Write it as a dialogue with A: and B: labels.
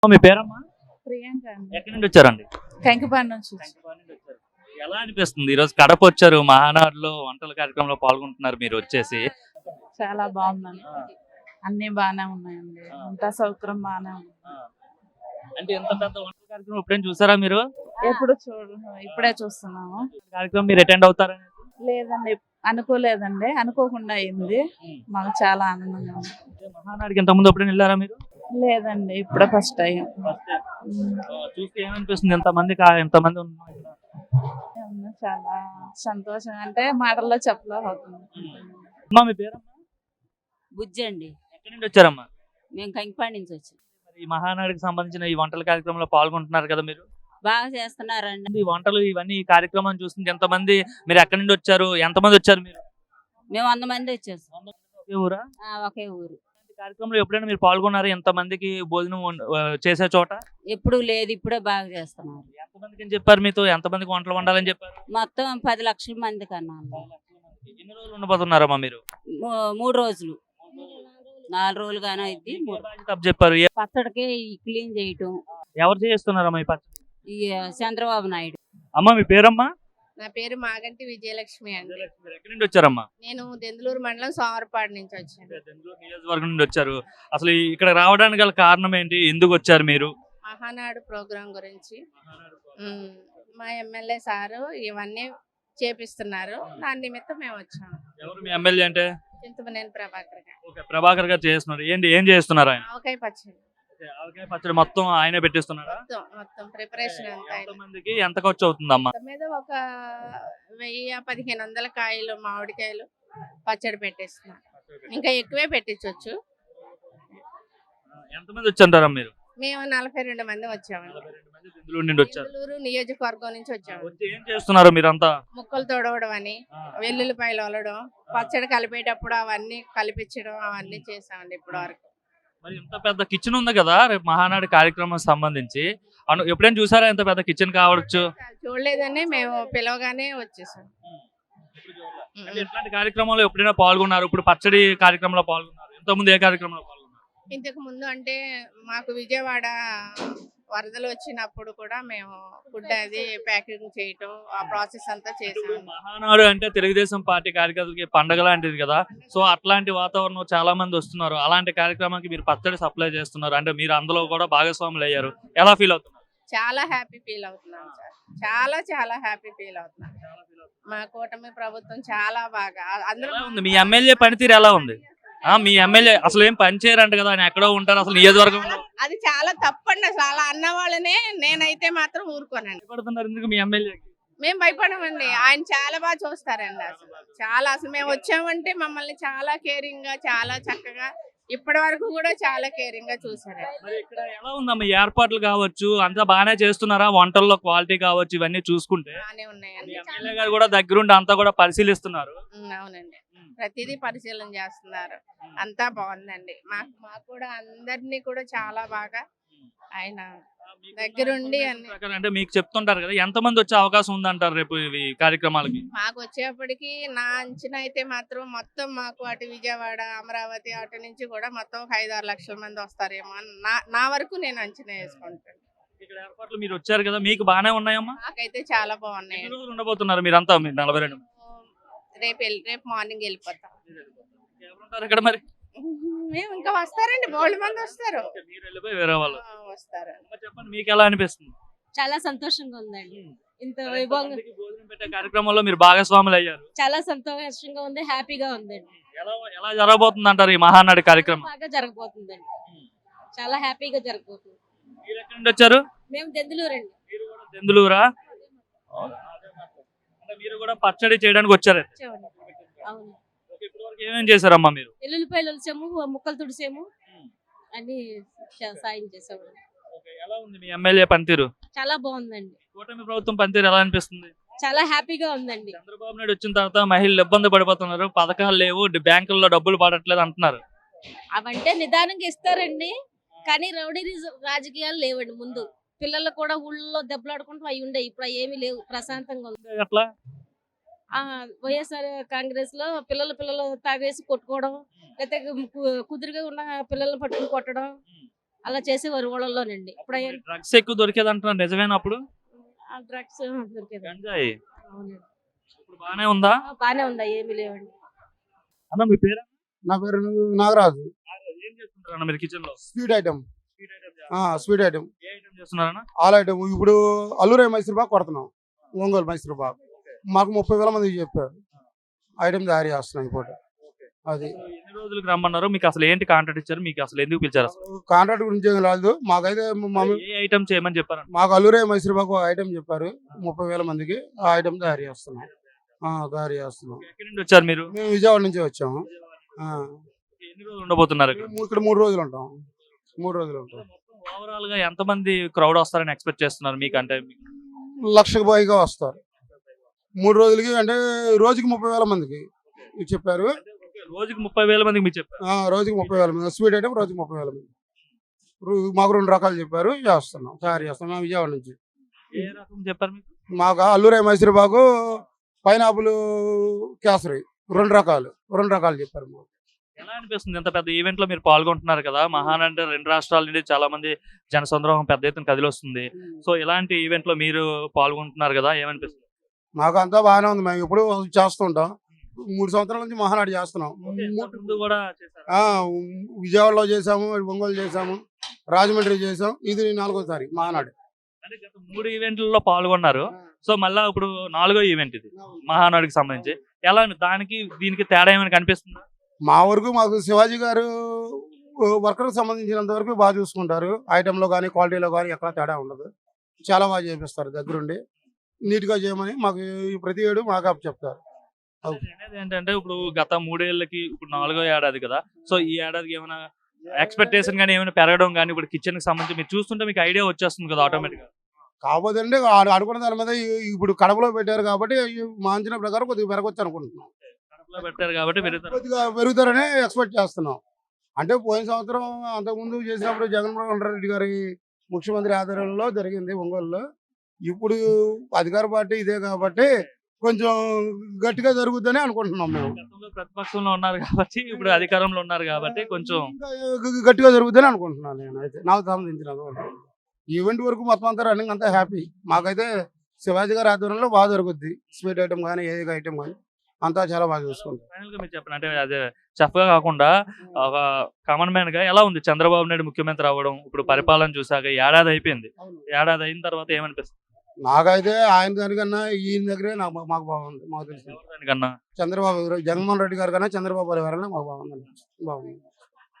A: మీ పేరమ్మా?
B: ప్రియాంక అండి.
A: ఎక్కడి నుండి వచ్చారండి?
B: కంకిపాడు నుంచి వచ్చి.
A: శంకరపల్లి నుండి వచ్చారు. ఎలా అనిపిస్తుంది ఈ రోజు కడప వచ్చారు, మహానాడులో వంటల కార్యక్రమంలో పాల్గొంటున్నారు మీరు వచ్చేసి?
B: చాలా బాగుందండి.
A: ఆ,
B: అన్ని బాగానే ఉన్నాయండి. అంతా సౌకర్యం బాగానే ఉంది.
A: ఆ. అంటే ఎంత పెద్ద వంటల కార్యక్రమం ఎప్పుడైనా చూసారా మీరు?
B: ఎప్పుడు ఇప్పుడే చూస్తున్నాము.
A: కార్యక్రమం మీరు అటెండ్ అవుతారని?
B: లేదండి, అనుకోలేదండి. అనుకోకుండా అయింది. మాకు చాలా ఆనందంగా ఉంది.
A: మహానాడుకి ఇంత ముందు ఎప్పుడైనా వెళ్ళారా మీరు?
B: లేదండి, ఇప్పుడే ఫస్ట్ టైం.
A: చూస్తే ఏమనిపిస్తుంది? ఎంతమంది ఉన్నారు ఇక్కడ?
B: చాలా సంతోషం, అంటే మాటల్లో చెప్పలేకపోతుంది.
A: అమ్మా మీ పేరమ్మా?
C: బుజ్జి అండి.
A: ఎక్కడి నుండి వచ్చారమ్మా?
C: మేము కంకిపాడు నుంచి వచ్చాం.
A: మరి ఈ మహానాడుకి సంబంధించిన ఈ వంటల కార్యక్రమంలో పాల్గొంటున్నారు కదా మీరు?
C: బాగా చేస్తున్నారండి.
A: ఈ వంటలు ఇవన్నీ ఈ కార్యక్రమం చూస్తుంది ఎంతమంది? మీరు ఎక్కడి నుండి వచ్చారు? ఎంతమంది వచ్చారు మీరు?
C: మేము 100 మంది వచ్చేసాం.
A: ఒకే ఊరా?
C: ఒకే ఊరు.
A: ఈ కార్యక్రమంలో ఎప్పుడైనా మీరు పాల్గొన్నారు? ఎంతమందికి భోజనం చేసే చోట?
C: ఎప్పుడు లేదు, ఇప్పుడే బాగా చేస్తున్నారు.
A: ఎంతమందికి అని చెప్పారు మీతో? ఎంతమందికి వంటలు వండాలని చెప్పారు?
C: మొత్తం 10 లక్షల మంది కన్నా.
A: ఎన్ని రోజులు ఉండబోతున్నారమ్మా మీరు?
C: 3 రోజులు 4 రోజులు గానే అయింది.
A: తప్పు చెప్పారు.
C: పచ్చడికి ఈ క్లీన్ చేయటం
A: ఎవరు చేస్తున్నారమ్మా ఈ పచ్చడి?
C: ఈ చంద్రబాబు నాయుడు.
A: అమ్మా మీ పేరమ్మా?
D: నా పేరు మాగంటి విజయలక్ష్మి అండి.
A: మీరు ఎక్కడి నుండి వచ్చారమ్మా?
D: నేను దెందులూరు మండలం సోమరపాడు నుంచి వచ్చాను.
A: దెందులూరు నియోజకవర్గం నుండి వచ్చారు. అసలు ఇక్కడ రావడానికి గల కారణం ఏంటి? ఎందుకు వచ్చారు మీరు?
D: మహానాడు ప్రోగ్రాం గురించి మా ఎమ్మెల్యే సారు ఇవన్నీ చేపిస్తున్నారు. దాని నిమిత్తం మేము వచ్చాము.
A: ఎవరు మీ ఎమ్మెల్యే అంటే?
D: చింతమనేని ప్రభాకర్ గారు.
A: ఓకే, ప్రభాకర్ గారు చేస్తున్నారు. ఏం చేస్తున్నారు ఆయన?
D: ఆవకాయ పచ్చడి
A: ఆవకాయ పచ్చడి మొత్తం ఆయనే పెట్టిస్తున్నారా?
D: మొత్తం ప్రిపరేషన్ అంతా ఆయన.
A: మందికి ఎంత ఖర్చు అవుతుందమ్మా?
D: మొత్తం మీద ఒక 1000-1500 కాయలు మామిడికాయలు పచ్చడి పెట్టేస్తున్నారు. ఇంకా ఎక్కువే పెట్టించవచ్చు.
A: ఎంతమంది వచ్చారమ్మా మీరు?
D: మేము 42 మంది వచ్చామండి.
A: 42 మంది దెందులూరు నుండి వచ్చారు.
D: దెందులూరు నియోజకవర్గం నుంచి వచ్చాము.
A: వచ్చి ఏం చేస్తున్నారు మీరంతా?
D: ముక్కలు తొడవడం అని, వెల్లుల్లిపాయలు వలడం, పచ్చడి కలిపేటప్పుడు అవన్నీ కలిపించడం, అవన్నీ చేసామండి ఇప్పటి వరకు.
A: మరి ఇంత పెద్ద కిచెన్ ఉంది కదా రేపు మహానాడు కార్యక్రమం సంబంధించి, ఎప్పుడైనా చూసారా ఎంత పెద్ద కిచెన్ కావచ్చు?
D: చూడలేదని మేము పిలవగానే వచ్చేసాం.
A: అంటే ఇట్లాంటి కార్యక్రమంలో ఎప్పుడైనా పాల్గొన్నారు? ఇప్పుడు పచ్చడి కార్యక్రమంలో పాల్గొన్నారు. ఇంతకుముందు ఏ కార్యక్రమంలో పాల్గొన్నారు?
D: ఇంతకు ముందు అంటే మాకు విజయవాడ వరదలు వచ్చినప్పుడు కూడా మేము ఫుడ్ అది ప్యాకింగ్ చేయటం, ఆ ప్రాసెస్ అంతా చేసాము.
A: మహానాడు అంటే తెలుగుదేశం పార్టీ కార్యకర్తలకి పండగ లాంటిది కదా. సో అట్లాంటి వాతావరణం చాలా మంది వస్తున్నారు. అలాంటి కార్యక్రమానికి మీరు పచ్చడి సప్లై చేస్తున్నారు అంటే మీరు అందులో కూడా భాగస్వాములు అయ్యారు. ఎలా ఫీల్ అవుతున్నారు?
D: చాలా హ్యాపీ ఫీల్ అవుతున్నాం సార్. చాలా చాలా హ్యాపీ ఫీల్ అవుతున్నాం. మా కూటమి ప్రభుత్వం చాలా బాగా అందరూ
A: ఉంది. మీ ఎమ్మెల్యే పనితీరు ఎలా ఉంది? మీ ఎమ్మెల్యే అసలు ఏం పని చేయరంట కదా, ఆయన ఎక్కడో ఉంటారు అసలు నియోజకవర్గంలో.
D: అది చాలా తప్పండి. అసలు అలా అన్న వాళ్ళనే నేనైతే మాత్రం ఊరుకోనండి.
A: భయపడుతున్నారు ఎందుకు మీ ఎమ్మెల్యేకి?
D: మేము భయపడమండి. ఆయన చాలా బాగా చూస్తారండి. అసలు మేము వచ్చామంటే మమ్మల్ని చాలా కేరింగ్ గా, చాలా చక్కగా ఇప్పటి వరకు కూడా చాలా కేరింగ్ గా చూసారండి.
A: మరి ఇక్కడ ఎలా ఉందమ్మా ఏర్పాట్లు కావచ్చు, అంతా బాగానే చేస్తున్నారా? వంటల్లో క్వాలిటీ కావచ్చు, ఇవన్నీ చూసుకుంటే
D: బాగానే ఉన్నాయండి.
A: ఎమ్మెల్యే గారు కూడా దగ్గరుండి అంతా కూడా పరిశీలిస్తున్నారు.
D: అవునండి, ప్రతిదీ పరిశీలన చేస్తున్నారు. అంతా బాగుందండి. మాకు కూడా అందరినీ కూడా చాలా బాగా ఆయన దగ్గరుండి
A: అంటే మీకు చెప్తుంటారు కదా, ఎంత మంది వచ్చే అవకాశం ఉందంటారు రేపు ఈ కార్యక్రమాలకి?
D: మాకు వచ్చేప్పటికి నా అంచనా అయితే మాత్రం మొత్తం మాకు అటు విజయవాడ, అమరావతి అటు నుంచి కూడా మొత్తం 5-6 లక్షల మంది వస్తారేమో అని నా వరకు నేను అంచనా వేసుకుంటాను.
A: ఇక్కడ ఏర్పాట్లు మీరు వచ్చారు కదా, మీకు బాగానే ఉన్నాయమ్మా?
D: నాకైతే చాలా బాగున్నాయి.
A: ఎన్ని రోజులు ఉండబోతున్నారు మీరంతా? 42
D: రేపు మార్నింగ్ వెళ్ళిపోతాం.
A: ఎవరుంటారు ఇక్కడ మరి?
D: మేము ఇంకా వస్తారండి, బోల్డ్ మంది వస్తారు.
A: మీరు వెళ్ళిపోయి వేరే వాళ్ళు
D: వస్తారు.
A: చెప్పండి, మీకు ఎలా అనిపిస్తుంది?
E: చాలా సంతోషంగా ఉందండి. ఇంత వైభవంగా
A: భోజనం పెట్టే కార్యక్రమంలో మీరు భాగస్వాములు అయ్యారు.
E: చాలా సంతోషంగా ఉంది, హ్యాపీగా ఉందండి.
A: ఎలా జరగబోతుంది అంటారు ఈ మహానాడు కార్యక్రమం?
E: బాగా జరగబోతుందండి, చాలా హ్యాపీగా జరగబోతుంది.
A: మీరు ఎక్కడి నుండి వచ్చారు?
E: మేము దెందులూరు అండి.
A: మీరు కూడా దెందులూరా? అంటే మీరు కూడా పచ్చడి చేయడానికి వచ్చారు?
E: అవును.
A: ఇప్పటివరకు ఏమేం చేశారమ్మా మీరు?
E: ఎల్లుల్లిపాయలు వలిసాము, ముక్కలు తుడిసాము, అన్ని సాయం చేసాము.
A: ఎలా ఉంది మీ ఎమ్మెల్యే పనితీరు?
E: చాలా బాగుందండి.
A: కూటమి ప్రభుత్వం పనితీరు ఎలా అనిపిస్తుంది?
E: చాలా హ్యాపీగా ఉందండి.
A: చంద్రబాబు నాయుడు వచ్చిన తర్వాత మహిళలు ఇబ్బంది పడిపోతున్నారు, పథకాలు లేవు, బ్యాంకుల్లో డబ్బులు పడట్లేదు అంటున్నారు.
E: అవంటే నిదానంగా ఇస్తారండి, కానీ రౌడీ రాజకీయాలు లేవండి. ముందు పిల్లలు కూడా ఊళ్ళో దెబ్బలాడుకుంటూ అవి ఉండే, ఇప్పుడు ఏమీ లేవు, ప్రశాంతంగా ఉంది.
A: అట్లా
E: వైఎస్ఆర్ కాంగ్రెస్ లో పిల్లలు తాగేసి కొట్టుకోవడం, లేకపోతే కుదురుగా ఉన్న పిల్లల్ని పట్టుకుని కొట్టడం, అలా చేసేవారు ఊళ్ళలోనండి. ఇప్పుడు
A: డ్రగ్స్ ఎక్కువ దొరికేది అంటున్నారు, నిజమేనా? అప్పుడు
E: డ్రగ్స్ దొరికేది.
A: గంజాయి
E: అవునండి.
A: ఇప్పుడు బానే ఉందా?
E: బానే ఉందా? ఏమి లేవండి.
A: అన్న మీ పేరు?
F: నా పేరు నాగరాజు.
A: ఏం చేస్తుంటారు అన్న మీరు కిచెన్ లో?
F: Sweet item.
A: Sweet item
F: sweet item,
A: ఏ ఐటమ్ చేస్తున్నారన్న?
F: All item. ఇప్పుడు అల్లూరే మైసూర్ పాక్ కొడుతున్నాం, ఒంగోలు మైసూర్ పాక్. మాకు 30,000 మందికి చెప్పారు ఐటమ్ తయారు చేస్తున్నాం ఇప్పుడు. అది
A: ఎన్ని రోజులకు రమ్మన్నారు? మీకు అసలు ఏంటి కాంట్రాక్ట్ ఇచ్చారు? మీకు అసలు ఎందుకు పిలిచారు? అసలు
F: కాంట్రాక్ట్ గురించి ఏం రాదు మాకైతే.
A: ఏ ఐటమ్ చేయమని చెప్పారు?
F: మాకు అల్లూరే మైసూర్ పాక్ ఐటమ్ చెప్పారు, 30,000 మందికి ఆ ఐటమ్ తయారు చేస్తున్నాం.
A: ఎక్కడి నుండి వచ్చారు మీరు?
F: మేము విజయవాడ నుంచి వచ్చాము.
A: ఎన్ని రోజులు ఉండబోతున్నారు ఇక్కడ?
F: ఇక్కడ 3 రోజులు ఉంటాం. 3 రోజులు ఉంటాం.
A: ఓవరాల్ గా ఎంత మంది క్రౌడ్ వస్తారని ఎక్స్పెక్ట్ చేస్తున్నారు మీకు? అంటే
F: 1,00,000 పైగా వస్తారు 3 రోజులకి. అంటే రోజుకి 30,000 మందికి చెప్పారు.
A: రోజుకి 30,000 మందికి మీరు చెప్పారు?
F: రోజుకి 30,000 మంది స్వీట్ ఐటమ్, రోజుకి 30,000 మంది. మాకు 2 రకాలు చెప్పారు, చేస్తున్నాం, తయారు చేస్తున్నాం విజయవాడ నుంచి.
A: ఏ రకం చెప్పారు మీకు?
F: మాకు అల్లూరే మైసూర్ పాకు, పైనాపుల్, కేసరి, 2 రకాలు చెప్పారు మాకు.
A: ఎలా అనిపిస్తుంది ఇంత పెద్ద ఈవెంట్ లో మీరు పాల్గొంటున్నారు కదా? మహాన్ అంటే 2 రాష్ట్రాల నుండి చాలా మంది జనసంద్రోహం పెద్ద ఎత్తున కదిలొస్తుంది. సో ఇలాంటి ఈవెంట్ లో మీరు పాల్గొంటున్నారు కదా, ఏమనిపిస్తుంది?
F: మాకు అంతా బాగానే ఉంది. మేము ఎప్పుడు చేస్తుంటాం. 3 సంవత్సరాల నుంచి మహానాడు చేస్తున్నాం.
A: ముందు కూడా చేశారా?
F: విజయవాడలో చేసాము, ఒంగోలు చేసాము, రాజమండ్రి చేసాం. ఇది 4వ సారి మహానాడు.
A: అంటే గత 3 ఈవెంట్లలో పాల్గొన్నారు. సో మళ్ళా ఇప్పుడు 4వ ఈవెంట్ ఇది మహానాడుకి సంబంధించి. ఎలా దానికి దీనికి తేడా ఏమైనా కనిపిస్తుందా?
F: మాకు శివాజీ గారు వర్కర్కి సంబంధించినంత వరకు బాగా చూసుకుంటారు. ఐటెంలో కానీ క్వాలిటీలో కానీ ఎక్కడ తేడా ఉండదు. చాలా బాగా చేపిస్తారు దగ్గరుండి. నీట్గా చేయమని మాకు ప్రతి ఏడు మాకు చెప్తారు.
A: అనేది ఏంటంటే ఇప్పుడు గత 3 ఏళ్ళకి ఇప్పుడు 4వ ఏడాది కదా. సో ఈ ఏడాదికి ఏమైనా ఎక్స్పెక్టేషన్ కానీ ఏమైనా పెరగడం కానీ ఇప్పుడు కిచెన్ కి సంబంధించి మీరు చూస్తుంటే మీకు ఐడియా వచ్చేస్తుంది కదా ఆటోమేటిక్ గా.
F: కాకపోతే అంటే అనుకున్న దాని మీద ఇప్పుడు కడపలో పెట్టారు కాబట్టి మా అంచనా ప్రకారం కొద్దిగా పెరగొచ్చు అనుకుంటున్నాం.
A: కడపలో పెట్టారు కాబట్టి
F: కొద్దిగా పెరుగుతారని ఎక్స్పెక్ట్ చేస్తున్నాం. అంటే పోయిన సంవత్సరం అంతకుముందు చేసినప్పుడు జగన్మోహన్ రెడ్డి గారి ముఖ్యమంత్రి ఆధ్వర్యంలో జరిగింది ఒంగోలులో. ఇప్పుడు అధికార పార్టీ ఇదే కాబట్టి కొంచెం గట్టిగా జరుగుద్దని అనుకుంటున్నాం మేము.
A: ప్రతిపక్షంలో ఉన్నారు కాబట్టి ఇప్పుడు అధికారంలో ఉన్నారు కాబట్టి కొంచెం
F: గట్టిగా జరుగుద్దని అనుకుంటున్నాను నేను. అయితే నాకు సంబంధించిన ఈవెంట్ వరకు మొత్తం అంతా రన్నింగ్ అంతా హ్యాపీ. మాకైతే శివాజీ గారి ఆధ్వర్యంలో బాగా జరుగుద్ది. స్వీట్ ఐటమ్ కానీ ఏ ఐటమ్ కానీ అంతా చాలా బాగా చూసుకుంటాం.
A: ఫైనల్ గా మీరు చెప్పండి, అంటే అదే చెఫ్ గా కాకుండా ఒక కామన్ మ్యాన్ గా ఎలా ఉంది చంద్రబాబు నాయుడు ముఖ్యమంత్రి అవ్వడం? ఇప్పుడు పరిపాలన చూసాక ఏడాది అయిపోయింది. ఏడాది అయిన తర్వాత ఏమనిపిస్తుంది?
F: నాకైతే ఆయన దానికన్నా ఈయన దగ్గరే మాకు బాగుంది. మాకు తెలిసింది
A: దానికన్నా
F: చంద్రబాబు, జగన్మోహన్ రెడ్డి గారి కన్నా చంద్రబాబు గారి వల్ల మాకు బాగుంది.